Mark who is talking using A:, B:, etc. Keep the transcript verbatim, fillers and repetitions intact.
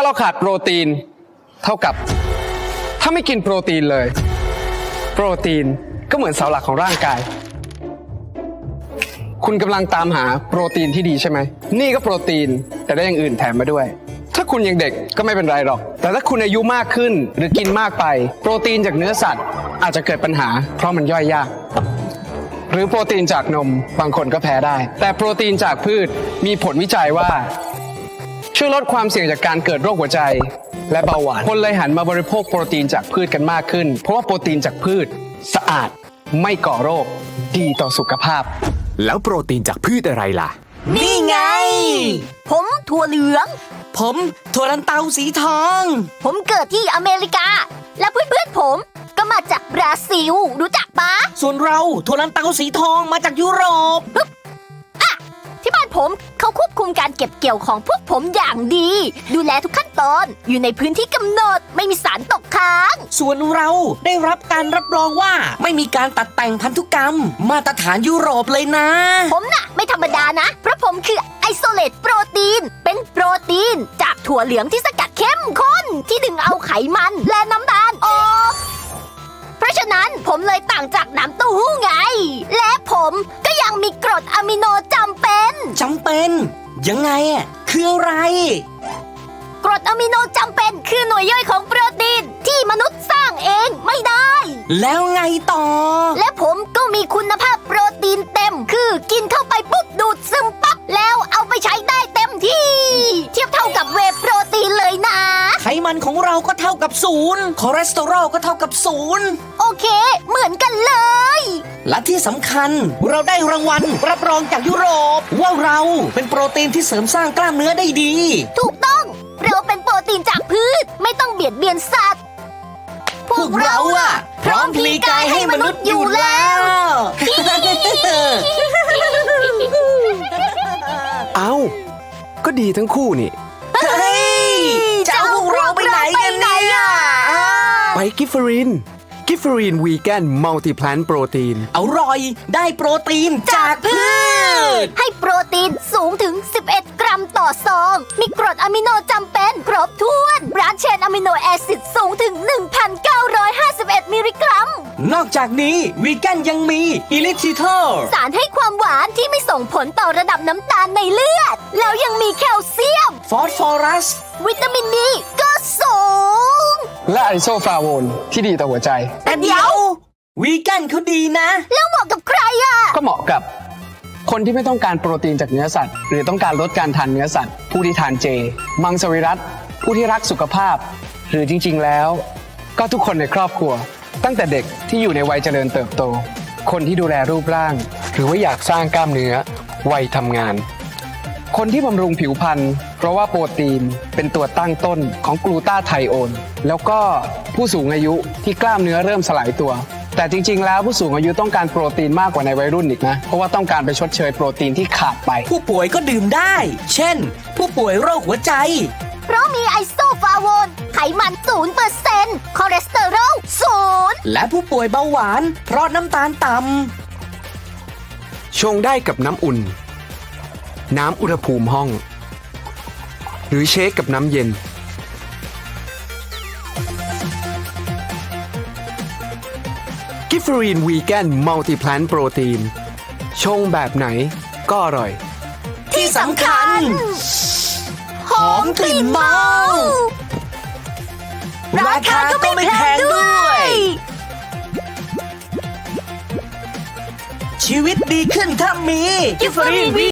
A: าเราขาดโปรตีนเท่ากับถ้าไม่กินโปรตีนเลยโปรตีนก็เหมือนเสาหลักของร่างกายคุณกำลังตามหาโปรตีนที่ดีใช่ไหมนี่ก็โปรตีนแต่ได้อย่างอื่นแถมมาด้วยถ้าคุณยังเด็กก็ไม่เป็นไรหรอกแต่ถ้าคุณอายุมากขึ้นหรือกินมากไปโปรตีนจากเนื้อสัตว์อาจจะเกิดปัญหาเพราะมันย่อยยากหรือโปรตีนจากนมบางคนก็แพ้ได้แต่โปรตีนจากพืชมีผลวิจัยว่าช่วยลดความเสี่ยงจากการเกิดโรคหัวใจและเบาหวานคนเลยหันมาบริโภคโปรตีนจากพืชกันมากขึ้นเพราะว่าโปรตีนจากพืชสะอาดไม่ก่อโรคดีต่อสุขภาพ
B: แล้วโปรตีนจากพืชอะไรล่ะ
C: นี่ไงผมถั่วเหลือง
D: ผมถั่วลันเตาสีทอง
C: ผมเกิดที่อเมริกาและเพื่อนๆผมก็มาจากบราซิลรู้จักปะ
D: ส่วนเราถั่วลันเตาสีทองมาจากยุโรป
C: อะที่บ้านผมเขาควบคุมการเก็บเกี่ยวของพวกผมอย่างดีดูแลทุกขั้นตอนอยู่ในพื้นที่กำหนดไม่มีสารตกค้าง
D: ส่วนเราได้รับการรับรองว่าไม่มีการตัดแต่งพันธุกรรมมาตรฐานยุโรปเลยนะ
C: ผมน่ะไม่ธรรมดานะเพราะผมคือไอโซเลตโปรตีนเป็นโปรตีนจากถั่วเหลืองที่สกัดเข้มข้นที่ดึงเอาไขมันและน้ำตาลออกเพราะฉะนั้นผมเลยต่างจากน้ำเต้าหู้ไงและผมก็ยังมีกรดอะมิโนจำเป็น
D: จำเป็นยังไงอ่ะคืออะไร
C: กรดอะมิโนจำเป็นคือหน่วยย่อยของโปรตีนที่มนุษย์สร้างเองไม่ได้
D: แล้วไงต่อ
C: และผมก็มีคุณภาพโปรตีนเต็มคือกินเข้าไปปุ๊บดูดซึมปั๊บแล้วเอาไปใช้ได้เต็มที่เทียบเท่ากับเวย์โปรตีนเลยนะ
D: ไขมันของเราก็เท่ากับศูนย์คอเลสเตอรอลก็เท่ากับศูนย์
C: โอเคเหมือนกันเลย
D: และที่สำคัญเราได้รางวัลรับรองจากยุโรปว่าเราเป็นโปรตีนที่เสริมสร้างกล้ามเนื้อได้ดี
C: ถูกต้องเราเป็นโปรตีนจากพืชไม่ต้องเบียดเบียนสัตว์
D: พวกเราอะพร้อมพลีกายให้มนุษย์อยู่แล้ว
A: เอ้าก็ดีทั้งคู่นี่
D: เฮ้ยจะเอาพวกเราไปไหนกันเนี่ย
A: ไปกิฟเฟอรินกิฟเฟอรินวีแกนมัลติแพลนโปรตีน
D: อร่อยได้โปรตีนจากพืช
C: ให้โปรตีนสูงถึงสิบเอ็ดกรัมต่อซองมีกรดอะมิโนจำเป็นครบถ้วนบรานช์เชนอะมิโนแอซิดสูงถึง หนึ่งพันเก้าร้อยห้าสิบเอ็ด มิลลิกรัม
D: นอกจากนี้วีแกนยังมีอิลิทิทอล
C: สารให้ความหวานที่ไม่ส่งผลต่อระดับน้ำตาลในเลือดแล้วยังมีแคลเซียม
D: ฟอสฟอรัส
C: วิตามินดีก็สูง
A: และไอโซฟลาโวนที่ดีต่อหัวใจ
D: แต่เดี๋ยววีแกนเขาดีนะ
C: แล้วเหมาะกับใครอ่ะ
A: ก็เหมาะกับคนที่ไม่ต้องการโปรตีนจากเนื้อสัตว์หรือต้องการลดการทานเนื้อสัตว์ผู้ที่ทานเจมังสวิรัติผู้ที่รักสุขภาพหรือจริงๆแล้วก็ทุกคนในครอบครัวตั้งแต่เด็กที่อยู่ในวัยเจริญเติบโตคนที่ดูแลรูปร่างหรือว่าอยากสร้างกล้ามเนื้อวัยทำงานคนที่บำรุงผิวพรรณเพราะว่าโปรตีนเป็นตัวตั้งต้นของกลูตาไทโอนแล้วก็ผู้สูงอายุที่กล้ามเนื้อเริ่มสลายตัวแต่จริงๆแล้วผู้สูงอายุต้องการโปรตีนมากกว่าในวัยรุ่นอีกนะเพราะว่าต้องการไปชดเชยโปรตีนที่ขาดไป
D: ผู้ป่วยก็ดื่มได้เช่นผู้ป่วยโรคหัวใจ
C: เพราะมีไอโซฟลาโวนไขมัน ศูนย์เปอร์เซ็นต์ คอเลสเตอรอล ศูนย์
D: และผู้ป่วยเบาหวานเพราะน้ำตาลต่ำ
A: ชงได้กับน้ำอุ่นน้ำอุณหภูมิห้องหรือเชคกับน้ำเย็นกิฟเฟอรีนวีแกนมัลติแพลนโปรตีนชงแบบไหนก็อร่อย
D: ที่สำคัญหอมกลิ่นเมาราคาก็ไม่แพงด้วยชีวิตดีขึ้นถ้ามีกิฟเฟอรีน